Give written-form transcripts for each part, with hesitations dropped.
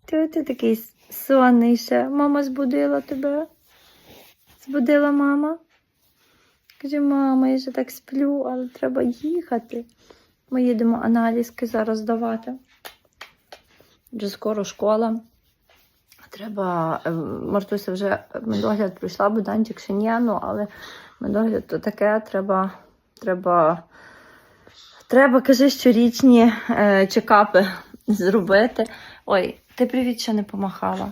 Ти такий сонний ще. Мама збудила тебе? Збудила мама? Каже, мама, я ще так сплю, але треба їхати. Ми їдемо аналізки зараз давати. Вже скоро школа. Треба, Мартуся вже медогляд пройшла, Богданчик ще ні, але медогляд то таке, треба, кажи, щорічні чекапи зробити. Ой, ти привіт ще не помахала.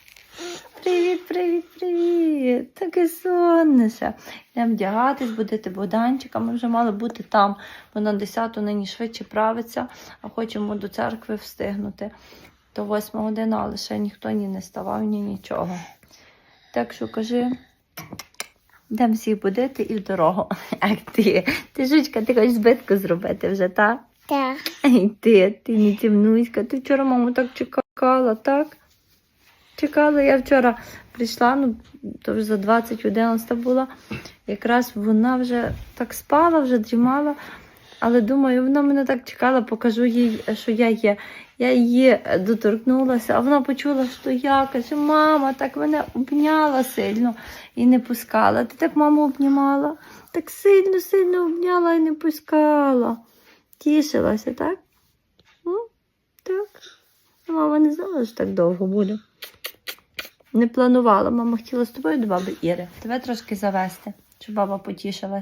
Привіт. Таке сонніше. Йдемо вдягатись, будити Богданчика. Ми вже мали бути там, бо на 10-ту нині швидше правиться, а хочемо до церкви встигнути. До 8 години, але ще ніхто не ставав, нічого. Так що кажи, йдемо всіх будити і в дорогу. Ах ти жучка, ти хочеш збитку зробити вже, так? Так. Ай ти не темнуська. Ти вчора маму так чекала, так? Чекала, я вчора прийшла, то вже за 20:11 була. Якраз вона вже так спала, вже дрімала. Але думаю, вона мене так чекала, покажу їй, що я є. Я її доторкнулася, а вона почула, що я. Каже, мама, так мене обняла сильно і не пускала. Ти так маму обнімала? Так сильно обняла і не пускала. Тішилася, так? Так. Мама не знала, що так довго буде. Не планувала. Мама хотіла з тобою до баби Іри. Тебе трошки завести, щоб баба потішилась.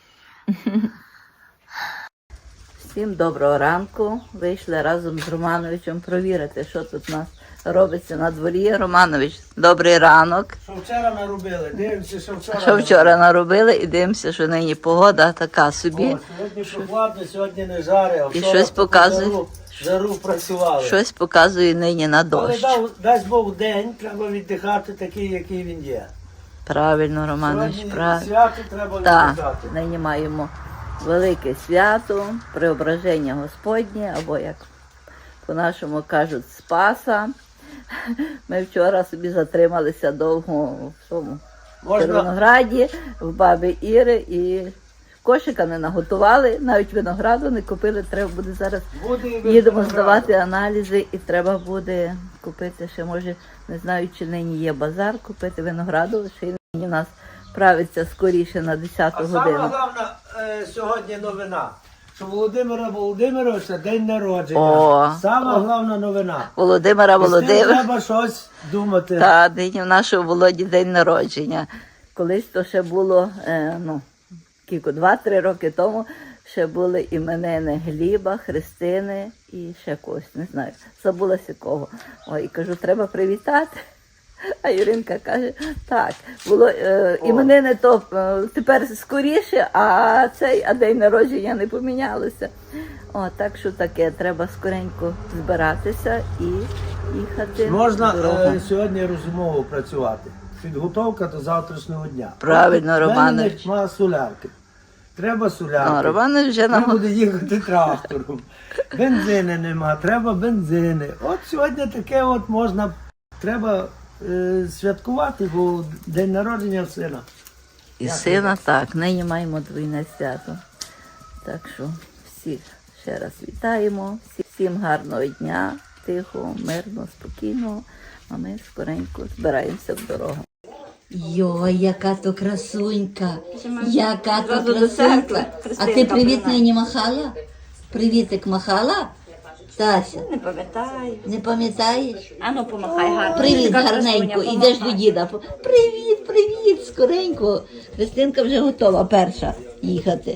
Всім доброго ранку. Вийшли разом з Романовичем провірити, що тут у нас робиться на дворі. Романович, добрий ранок. Що вчора наробили, дивимося, Що вчора наробили і дивимося, що нині погода така собі. О, сьогодні прохладно, сьогодні не жари, а І щось показує. Жару працювали. Щось показує нині на дощ. Але дасть Бог день, треба віддихати такий, який він є. Правильно, Романович, Сьогодні правильно. свято треба Так, віддихати. нині маємо велике свято, Преображення Господнє, або, як по-нашому кажуть, Спаса. Ми вчора собі затрималися довго в тому Червонограді, в баби Іри, і кошика не наготували, навіть винограду не купили. Треба буде зараз, їдемо здавати аналізи, і треба буде купити ще, може, не знаю, чи нині є базар, купити винограду, ще й нині у нас правиться скоріше на 10-ту годину. А сама головна сьогодні новина, що Володимира Володимировича день народження. О, Сама головна новина. Володимира І з тим Володимира. треба щось думати. Та, нині в нашого Володі день народження. Колись то ще було, 2-3 роки тому, ще були іменини Гліба, Христини і ще когось, не знаю, забулася кого. Ой, кажу, треба привітати. А Юринка каже, так, було іменини то тепер скоріше, а день народження не помінялося. Так що таке, треба скоренько збиратися і їхати. Можна сьогодні розумово працювати. Підготовка до завтрашнього дня. Правильно, Романович. Нема солярки. Треба солярки. Романович вже Треба буде їхати трактором. Бензини нема, треба бензини. От сьогодні таке от можна, треба святкувати, бо день народження сина. І сина, так, нині маємо двійне свято. Так що всіх ще раз вітаємо, всім гарного дня, тихого, мирного, спокійного, а ми скоренько збираємося в дорогу. Йой, яка то красунька, яка то красунька. А ти привіт нині махала? Привітик махала? Тася, Не пам'ятаю. не пам'ятаєш? Ану, помахай гарно. Привіт, Така гарненько, красуня, ідеш помахай. до діда. Привіт, скоренько. Христинка вже готова перша їхати.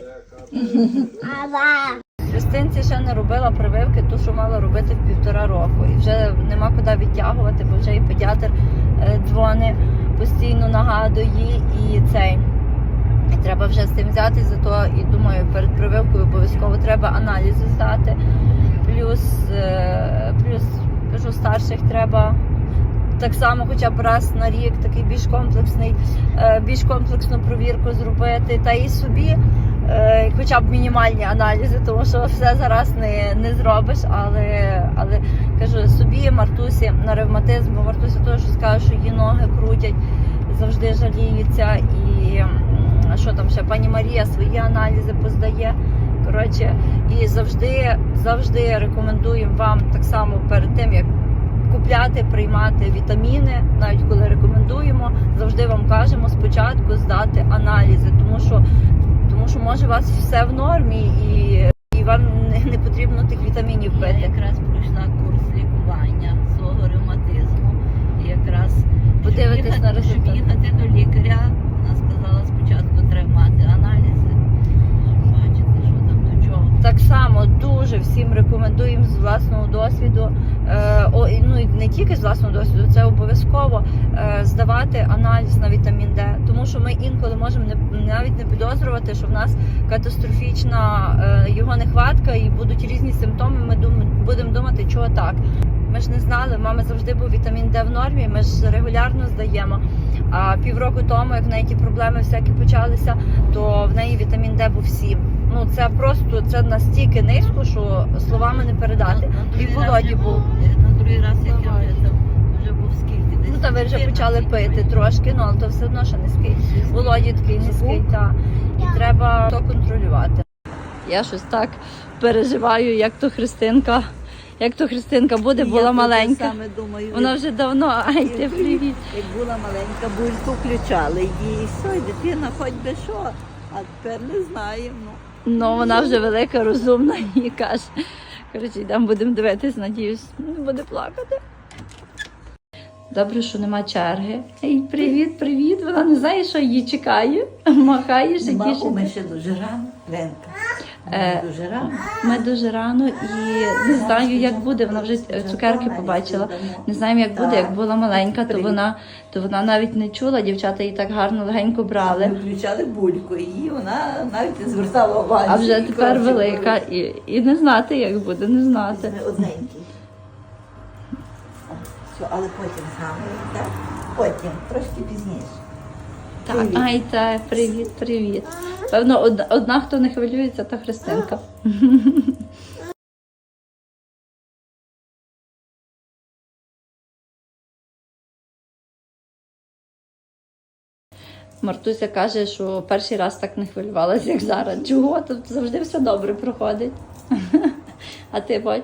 Христинці ще не робила прививки, ту, що мала робити в 1,5 року. І вже нема куди відтягувати, бо вже і педіатр дзвонить, постійно нагадує, і треба вже з тим взятись, зато і думаю, перед прививкою обов'язково треба аналізи здати. Плюс, кажу, старших треба так само хоча б раз на рік такий більш комплексну провірку зробити. Та і собі хоча б мінімальні аналізи, тому що все зараз не зробиш, але кажу, собі, Мартусі на ревматизм, бо Мартуся теж скаже, що її ноги крутять, завжди жаліються, і що там ще, пані Марія свої аналізи поздає. Коротше, і завжди рекомендуємо вам так само перед тим, як купляти, приймати вітаміни, навіть коли рекомендуємо, завжди вам кажемо спочатку здати аналізи, тому що може у вас все в нормі і вам не потрібно тих вітамінів Я пити. якраз пройшла курс лікування свого ревматизму. І якраз Подивитись на щоб результат. їхати до лікаря, вона сказала, спочатку треба мати аналізи, щоб бачити, що там до чого. Так само дуже всім рекомендуємо з власного досвіду, ну і не тільки з власного досвіду, це обов'язково здавати аналіз на вітамін Д, тому що ми інколи можемо навіть не підозрювати, що в нас катастрофічна його нехватка і будуть різні симптоми. Ми будемо думати, чого так. Ми ж не знали, в мами завжди був вітамін Д в нормі, ми ж регулярно здаємо. А півроку тому, як в неї ті проблеми всякі почалися, то в неї вітамін Д був 7. Ну це просто, це настільки низько, що словами не передати. І в Володі був. На другий раз, як я вже там, вже був скільки? Десь Ну та ви вже 14 почали пити років. трошки, ну але то все одно ще низький. Володі такий низький, так. І треба то контролювати. Я щось так переживаю, як то Христинка буде, була Я маленька. так саме думаю. Вона вже давно, ай, ти привіт. Як була маленька, бульку включали її, і все, і дитина хоч би що, а тепер не знаємо. Ну, вона вже велика, розумна і каже. Коротше, йдемо, будемо дивитись, надіюсь, не буде плакати. Добре, що нема черги. Ей, привіт, привіт. Вона не знає, що її чекає. Махаєш і Ми тішиться. ще дуже рано, Ленка. Е, Ми дуже рано. Ми дуже рано і не знаю, як буде. Вона вже цукерки побачила. Не знаємо, як буде. Як була маленька, то вона навіть не чула. Дівчата її так гарно легенько Ми брали. включали бульку, і вона навіть не звертала увагу. А вже тепер велика і не знати, як буде, не знати. Ми одненькі. Все, але потім згадуємо, так? Потім, трошки пізніше. Так, Привіт. ай, так, привіт, привіт. Певно, одна, хто не хвилюється, то Христинка. Мартуся каже, що перший раз так не хвилювалася, як зараз. Чого? Тут завжди все добре проходить. А ти, Бодь?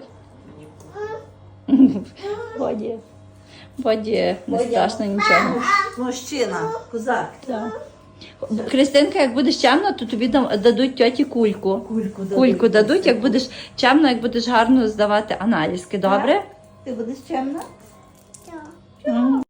Боді, не страшно нічого. Мужчина, козак. Так. Христинка, як будеш чемна, то тобі дадуть тьоті кульку. Кульку дадуть, як будеш чемна, як будеш гарно здавати аналізки, добре? Ти будеш чемна? М.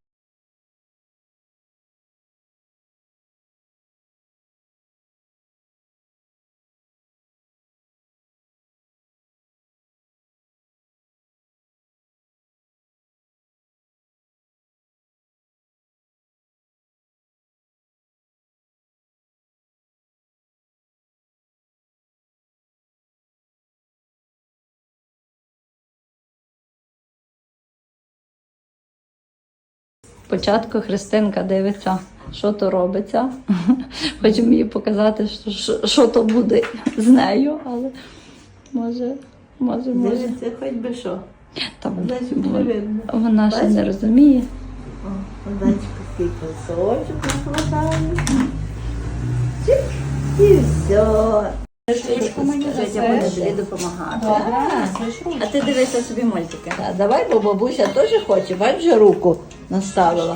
Спочатку Христинка дивиться, що то робиться. Хочемо їй показати, що то буде з нею, але може. Дивиться, хоч би що. Там, Значить, не видно. вона ще не Бачиш? розуміє. О, Одачка такий кусочок розкладає. Чик, і все. Житя буде тобі допомагати. А ти дивися собі мультики. Давай, бо бабуся теж хоче, бач, вже руку наставила.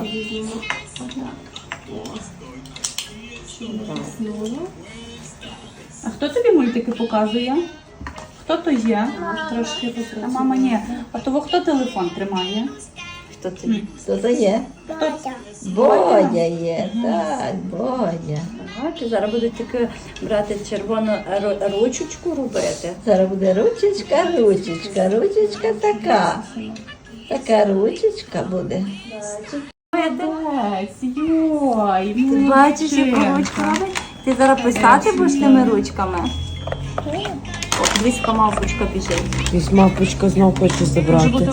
А хто тобі мультики показує? Хто то є? Трошки а мама ні. А того хто телефон тримає? Хто це? Хто це є? Бодя є, так, Бодя. Бачиш, зараз будуть тільки брати червону ручечку робити. Зараз буде ручечка така. Така ручечка буде. Молодець, йой, Ти бачиш, яку ручку робить? Ти зараз писати будеш тими ручками? О, дивись, яка мавпочка біжить. Якась мавпочка знов хоче забрати.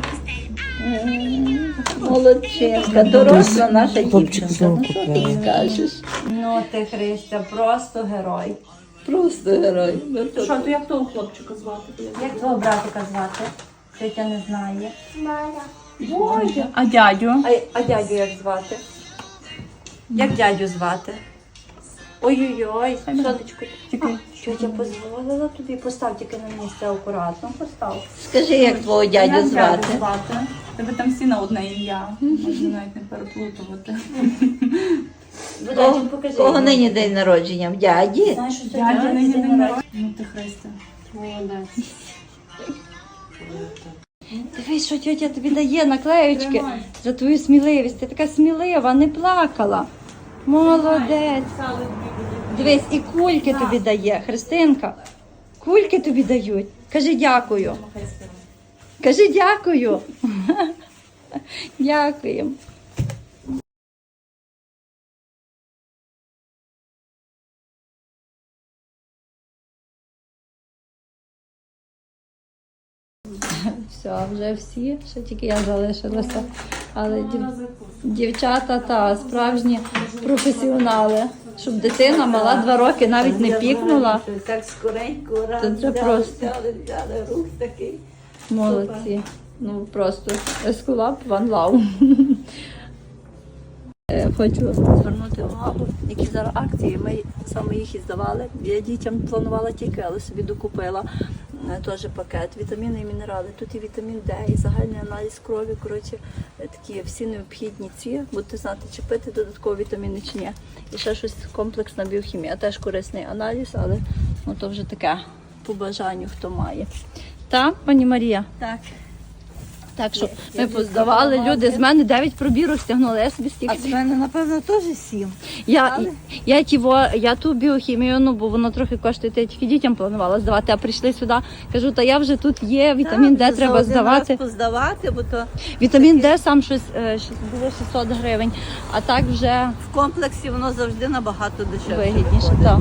Молодчинка, доросла наша Хлопчик дівчинка. знову Ну що ти купляє. їй скажеш? Ну ти, Христя, просто герой. Просто герой. Що, то як того хлопчика звати? Як твого братика звати? Тетя не знає. Бодя. А дядю? А дядю як звати? Як дядю звати? Ой-ой-ой, сонечко. Чекай. Тьотя дозволила тобі, постав тільки на місце акуратно, постав. Скажи, як твого дядю звати? Тебе там всі на одне ім'я. Можна навіть не переплутувати. Будачу, покажи. Кого нині день народження? В дяді? Знаєш, що Дядя сьогодні нині день день народження? народження. Ну ти Христя. Молодець. Дивись, що тьотя тобі дає наклеючки за твою сміливість. Ти така смілива, не плакала. Молодець. Дивись, і кульки тобі дає, Христинка. Кульки тобі дають. Кажи дякую. Кажи дякую. Дякуємо. Все, вже всі, ще тільки я залишилася. Але дівчата та справжні професіонали. Щоб дитина мала 2 роки навіть не пікнула. Так скоренько, раз Це просто. взяли, рух такий. Молодці. Ну просто ескулап ван лав. Хочу звернути увагу, які зараз акції. Ми саме їх і здавали. Я дітям планувала тільки, але собі докупила теж пакет. Вітаміни і мінерали. Тут і вітамін Д, і загальний аналіз крові. Коротше, такі всі необхідні ці. Будете знати, чи пити додаткові вітаміни чи ні. І ще щось комплексна біохімія. Теж корисний аналіз, але ну, то вже таке по бажанню, хто має. Так, пані Марія? Так. Так що ми поздавали, люди з мене 9 пробірок стягнули, я собі стільки. А з мене, напевно, теж 7. Я ту біохімію, ну бо воно трохи коштує, я тільки дітям планувала здавати, а прийшли сюди, кажу, та я вже тут є, вітамін Д треба здавати. Поздавати, бо то Вітамін Д сам щось було 600 гривень, а так вже в комплексі воно завжди набагато дешевше. вигідніше. Так.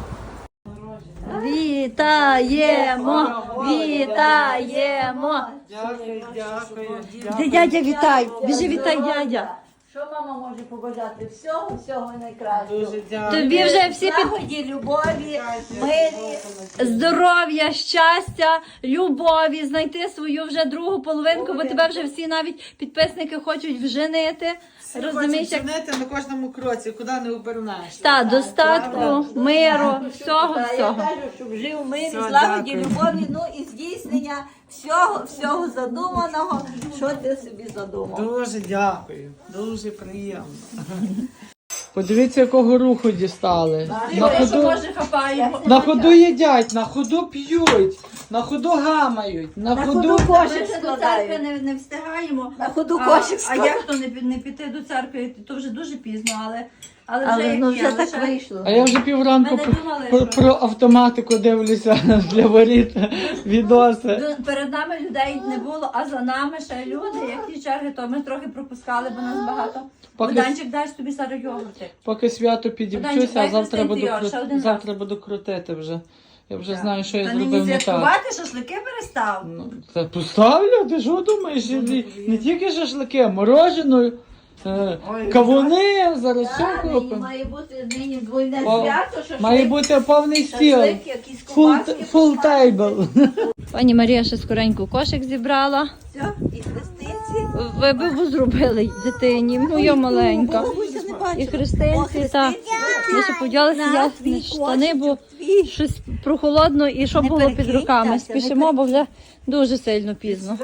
Вітаємо! Вітаємо! Дякую, дякую. Де дядя вітай! Біжи вітай, дядя! Що мама може побажати? Всього, всього найкращого. Дуже дякую. Тобі вже всі під Злагоді, любові, мирі. здоров'я, щастя, любові, знайти свою вже другу половинку, бо тебе вже всі навіть підписники хочуть вженити. Розумієш, як на кожному кроці, куди не обернешся. та достатку, миру, всього. Я кажу, щоб жив в мирі, Все, злагоді, дякую. любові, ну і здійснення всього задуманого, що ти собі задумав. Дуже дякую, дуже приємно. Подивіться, якого руху дістали. На ходу їдять, на ходу п'ють, на ходу гамають, на ходу... кошик складають. не встигаємо. На ходу кошик А складають. як то не піти до церкви, то вже дуже пізно, але Але як ну є, вже так лише- вийшло. А я вже півранку Ми не думали, про автоматику дивлюся для воріт відоси. Перед нами людей не було, а за нами ще люди, які черги, то ми трохи пропускали, бо нас багато. Поки- Буданчик, дай собі зараз йогурти. Поки свято підівчуся, а дай завтра буду, Христинці, ще один раз. завтра буду крутити вже. Я вже знаю, що я Та зробив нині не так. святкувати, шашлики перестав. Ну, та поставлю, ти що думаєш? Не тільки шашлики, а морожену, кавуни, зараз все купимо. Має бути нині двойне О, свято, що Має бути повний стіл. якісь ковбаски. Full table. Пані Марія ще скоренько кошик зібрала. Все, і хрестиці. Ви б зробили дитині, моя маленька. Бабуся не бачила. І христинці, та ми ще поділилися ясні штани, бо щось прохолодно і що Не було під перекинься, руками. не Спішимо, бо вже дуже сильно пізно.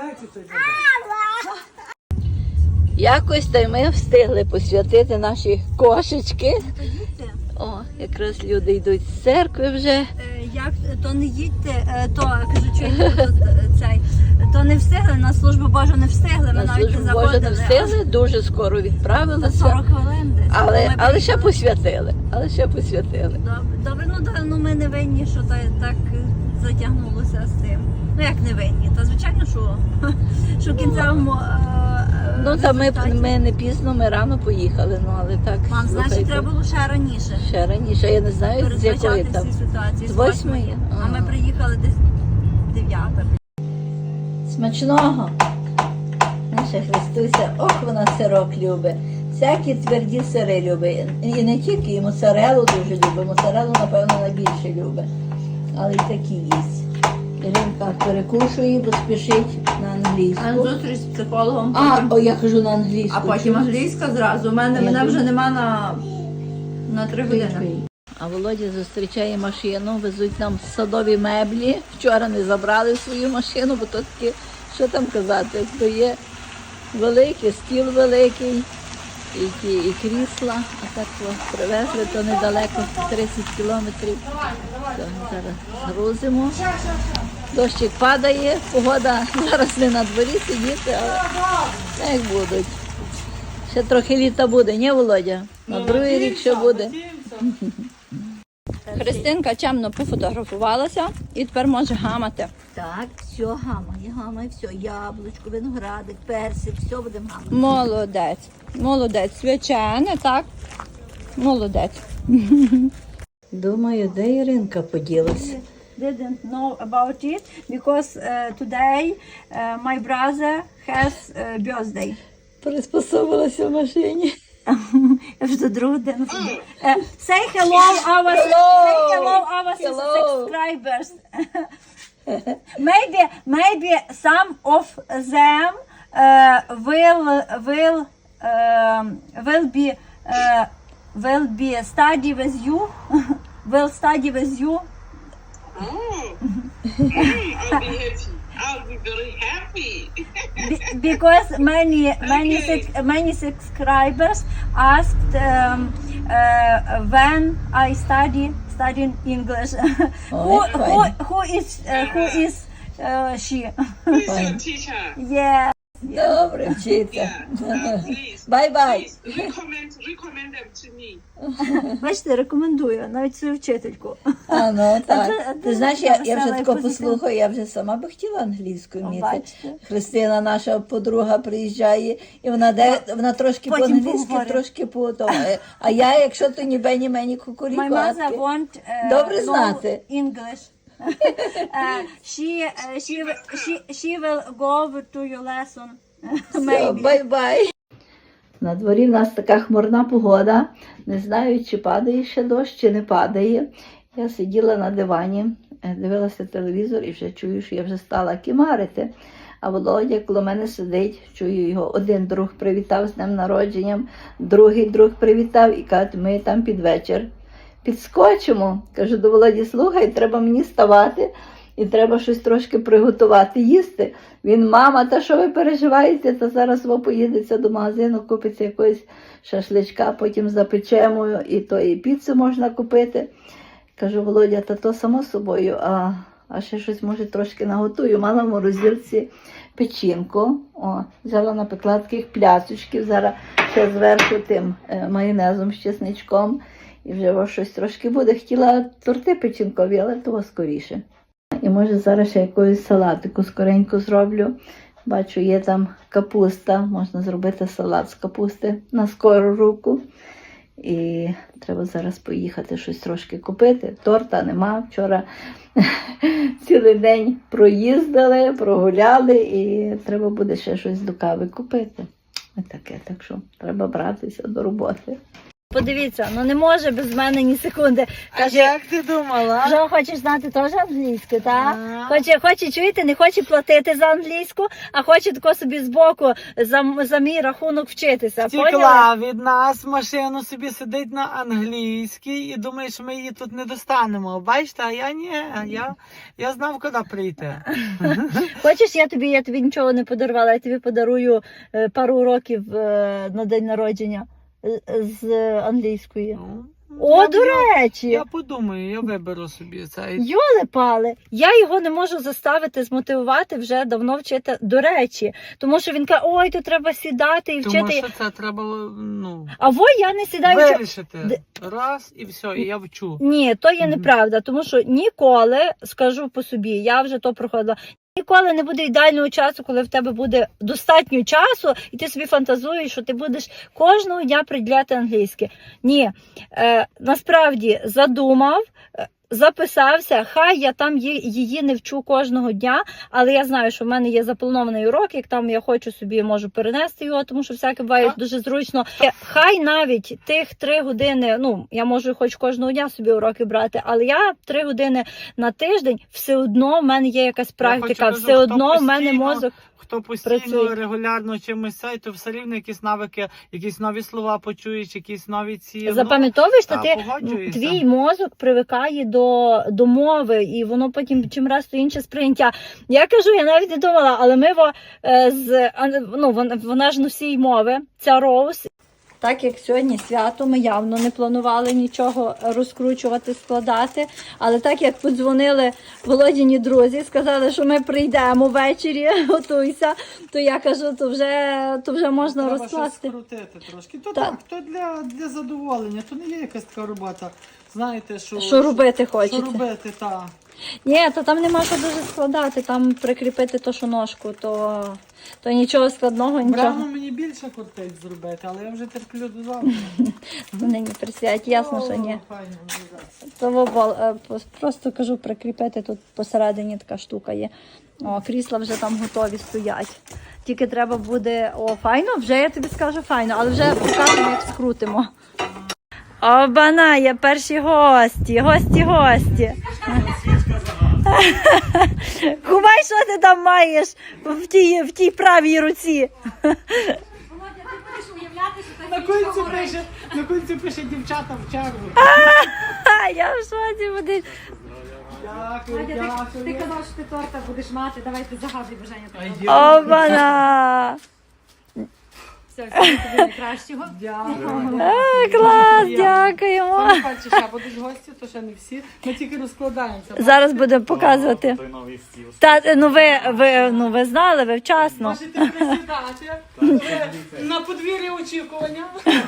Якось та й ми встигли посвятити наші кошечки. О, якраз люди йдуть з церкви вже. Як то не їдьте, то кажу, цей, то не встигли, на службу Божу не встигли, ми На навіть не службу Божу не заходили. встигли, дуже скоро За відправилися. 40 хвилин десь. Але ще посвятили. Але ще посвятили. Добре, ну ми не винні, що так затягнулося з тим. Ну як не винні? Та звичайно, що в кінцевому Ну та результаті. ми не пізно, ми рано поїхали, ну але так. Мам, значить, слухайте, треба було ще раніше ще раніше, я не знаю, з якої передбачати там. всі ситуації. З 8-ї? А ми приїхали десь 9-та. Смачного. Наша Христуся, ох, вона сирок любить. Всякі тверді сири любить. І не тільки, і моцарелу дуже любить. Моцарелу, напевно, найбільше любить. Але й такі їсть. Іринка перекушує, бо спішить на англійську. Зустріч з психологом. О, я кажу на англійську. А потім англійська зразу. Мене вже нема на 3 години. А Володя зустрічає машину, везуть нам садові меблі. Вчора не забрали свою машину, бо то таке, що там казати, то є великий, стіл великий, і крісла. А так привезли, то недалеко, 30 кілометрів. То зараз грузимо. Дощик падає, погода зараз не на дворі сидіти, але як будуть. Ще трохи літа буде, ні, Володя? На другий рік ще буде. Христинка чемно пофотографувалася і тепер може гамати. Так, все, гамає, все, яблучко, виноградик, персик, все будемо гамати. Молодець. Молодець. Свячене, так? Молодець. Думаю, де Іринка поділася? Didn't know about it because today my brother has birthday. Приспособилася в машині. Я вже до другого дня. Say hello our subscribers. Maybe some of them will be study with you. Will study with you. I'll be happy. I'll be very happy. Because many subscribers asked when I study English. Who is she? Who is your teacher? Yeah. Добре, вчиться. Please, Bye-bye. please recommend them to me. Бачите, рекомендую навіть свою вчительку. А, ну так. це Ти знаєш, я вже весела тако і послухаю, я вже сама би хотіла англійську вміти. Бачите. Христина, наша подруга, приїжджає, і вона трошки Потім по-англійськи, поговорить. трошки по-тому. А я, якщо то ні бені мені My кукуріку, mother want Добре know знати. English. She will go to your lesson. Maybe. Бай-бай. На дворі в нас така хмурна погода. Не знаю, чи падає ще дощ, чи не падає. Я сиділа на дивані, дивилася телевізор і вже чую, що я вже стала кімарити. А Володя коло мене сидить, чую його. Один друг привітав з днем народженням, другий друг привітав і каже, ми там під вечір підскочимо. Кажу до Володі, слухай, треба мені вставати і треба щось трошки приготувати, їсти. Він, мама, та що ви переживаєте, та зараз ви поїдеться до магазину, купиться якогось шашличка, потім запечемо, і то і піцу можна купити. Кажу, Володя, та то само собою, а ще щось, може, трошки наготую. Мала в морозилці печінку, взяла напекла таких пляцочків, зараз ще зверху тим майонезом з чесничком, і вже щось трошки буде. Хотіла торти печінкові, але того скоріше. І може зараз ще якусь салатику скоренько зроблю. Бачу, є там капуста, можна зробити салат з капусти на скору руку. І треба зараз поїхати щось трошки купити. Торта нема. Вчора цілий день проїздили, прогуляли і треба буде ще щось до кави купити. Ось таке, так що треба братися до роботи. Подивіться, ну не може без мене ні секунди. Каже, Як ти думала? Жо, хочеш знати теж англійську, так? Ага. Хоче чуєте, не хоче платити за англійську, а хоче тако собі збоку за мій рахунок вчитися. Поняли? Втекла від нас, машину собі сидить на англійській і думає, що ми її тут не достанемо. Бачите, а я ні, я знав, куди прийти. Хочеш, я тобі нічого не подарувала, я тобі подарую пару уроків на день народження з англійської. О, до речі! Я подумаю, я виберу собі цей. Йоли-пали, я його не можу заставити, змотивувати вже давно вчити, до речі. Тому що він каже, ой, тут треба сідати і вчити. Тому що це треба, А я не сідаю. вирішити. Раз і все, і я вчу. Ні, то є неправда, тому що ніколи, скажу по собі, я вже то проходила, ніколи не буде ідеального часу, коли в тебе буде достатньо часу, і ти собі фантазуєш, що ти будеш кожного дня приділяти англійське. Ні, насправді задумав, записався, хай я там її не вчу кожного дня, але я знаю, що в мене є запланований урок, як там я хочу собі, можу перенести його, тому що всяке буває дуже зручно. Хай навіть тих 3 години, я можу хоч кожного дня собі уроки брати, але я 3 години на тиждень, все одно в мене є якась практика, все одно в мене мозок. хто постійно, Працює. регулярно чимось цей, то все рівно якісь навики, якісь нові слова почуєш, якісь нові ці... Запам'ятовуєш, що та, ти погоджуюся. твій мозок привикає до мови, і воно потім чим раз то інше сприйняття. Я кажу, я навіть не думала, але ми вона ж носій мови, ця Роуз. Так як сьогодні свято, ми явно не планували нічого розкручувати, складати. Але так як подзвонили Володіні друзі, сказали, що ми прийдемо ввечері, готуйся, то я кажу, то вже можна Треба розкласти. щось скрутити трошки. То Так. так, то для задоволення, то не є якась така робота. Знаєте, Що робити хочеться? Що робити, так. Ні, то там нема що дуже складати, там прикріпити то, що ножку, то нічого складного, нічого. Брано мені більше кортить зробити, але я вже терплю до завтра. Нині присядь, ясно, що ні. Файно, вже. То просто кажу, прикріпити тут посередині така штука є. О, крісла вже там готові стоять. Тільки треба буде, файно, вже я тобі скажу файно, але вже покажемо, як скрутимо. Обана, є перші гості. Кумай, що ти там маєш в тій правій руці? На кінці пише дівчата в чергу. Я в шоці буду. Дякую, Ти дякую. казав, що ти торта будеш мати, давай ти загадуй бажання. Обана! Все, тобі найкращого. Дякую. Клас, дякуємо. Саме перше, ще будуть гості, то ще не всі. Ми тільки розкладаємося. Зараз будемо показувати. Ви знали, ви вчасно. Можете присідати. На подвір'ї очікування.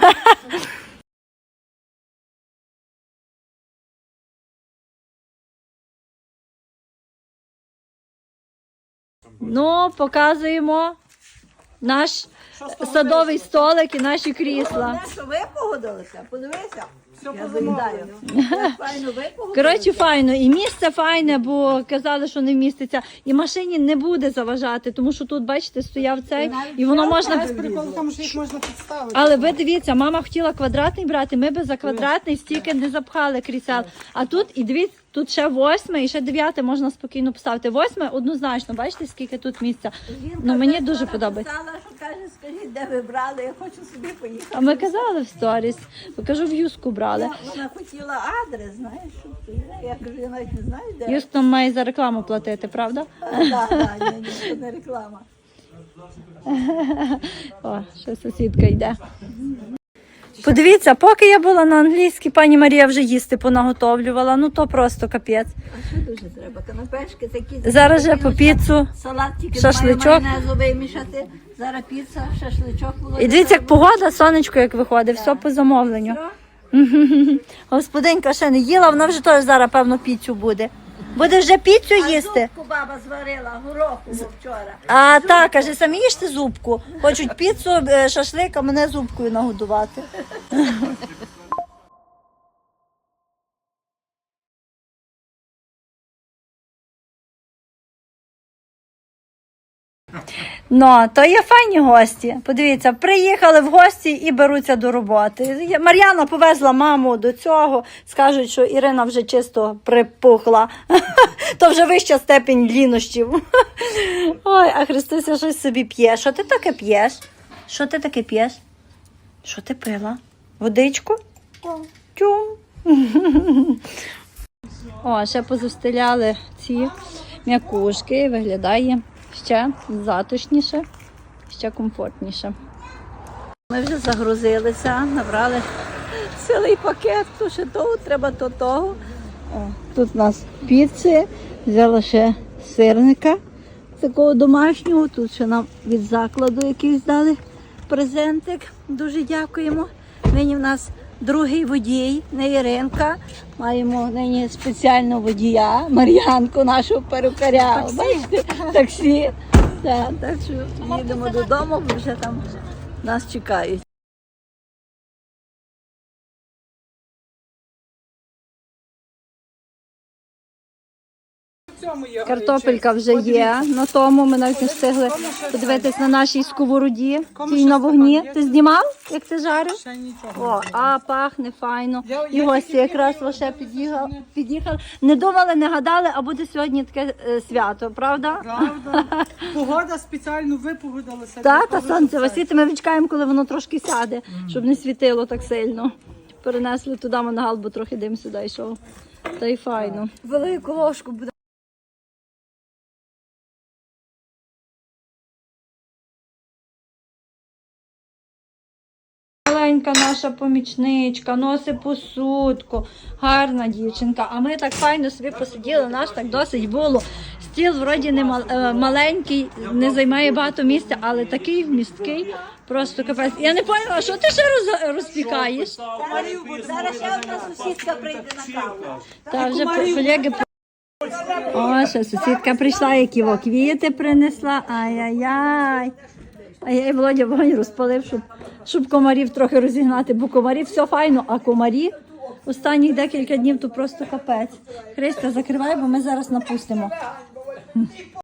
Ну, показуємо наш садовий столик і наші крісла. Що ви погодилися? Подивися. Все Я позамовлено. заїдаю. Файно ви погодилися. Коротше, файно. І місце файне, бо казали, що не вміститься. І машині не буде заважати, тому що тут, бачите, стояв цей, і воно можна... Прикол в тому, що їх можна підставити. Але ви дивіться, мама хотіла квадратний брати, ми би за квадратний стільки не запхали крісел. А тут, і дивіться, тут ще 8 і ще 9 можна спокійно поставити. 8 однозначно, бачите, скільки тут місця. Ну, мені дуже подобається. Сказала, що каже, скажіть, де ви брали, я хочу собі поїхати. А ми казали в сторіс, покажу, в Юску брали. Вона хотіла адрес, знаєш, щоб я кажу, я навіть не знаю, де. Юск нам має за рекламу платити, правда? Так, ні, це не реклама. О, ще сусідка йде. Подивіться, поки я була на англійській, пані Марія вже їсти понаготовлювала. Ну то просто капець. А що дуже треба? Канапешки такі. Зараз же по піцу. Салат тільки Шашличок. немає майонезу вимішати. Зараз піца, шашличок. І дивіться, як погода, сонечко як виходить, все по замовленню. Господинька ще не їла, вона вже теж зараз, певно, піцю буде. Буде вже піцю їсти. Зубку баба зварила, гороху вчора. А так, каже, самі їжте зубку. Хочуть піцу, шашлик, а мене зубкою нагодувати. Ну, то є файні гості. Подивіться, приїхали в гості і беруться до роботи. Мар'яна повезла маму до цього. Скажуть, що Ірина вже чисто припухла. То вже вища степень лінощів. Ой, а Христуся щось собі п'є. Що ти таке п'єш? Що ти таке п'єш? Що ти пила? Водичку? Тюм. О, ще позустеляли ці м'якушки. Виглядає ще затишніше, ще комфортніше. Ми вже загрузилися, набрали цілий пакет, то ще того, треба то того. О, тут у нас піци, взяла ще сирника такого домашнього, тут ще нам від закладу якийсь дали презентик. Дуже дякуємо. Нині в нас другий водій, не Іринка. Маємо нині спеціального водія, Мар'янку, нашого перукаря. Бачите? Таксі. Так що їдемо додому, бо вже там нас чекають. в цьому є. Картопелька вже є на тому. Ми навіть не встигли подивитись на нашій сковороді. Тій на вогні. Ти знімав, як ти жарив? Ще нічого. О, а пахне файно. Я І гості якраз лише під'їхали. Не думали, не гадали, а буде сьогодні таке свято, правда? Правда. Погода спеціально випогодилася. Так, та сонце висіти. Ми чекаємо, коли воно трошки сяде, щоб не світило так сильно. Перенесли туди мангал, бо трохи дим сюди йшов. Та й файно. Велику ложку буде. Маленька наша помічничка, носить посудку, гарна дівчинка. А ми так файно собі посиділи, наш так досить було. Стіл вроді не маленький, не займає багато місця, але такий вмісткий, просто капець. Я не поняла, що ти ще розпікаєш? Зараз ще одна сусідка прийде на каву. Та вже колеги. О, ще сусідка прийшла, які квіти принесла. Ай-яй-яй. Ай-яй, Володя вогонь розпалив, щоб комарів трохи розігнати, бо комарів все файно, а комарі останні декілька днів то просто капець. Христя, закривай, бо ми зараз напустимо.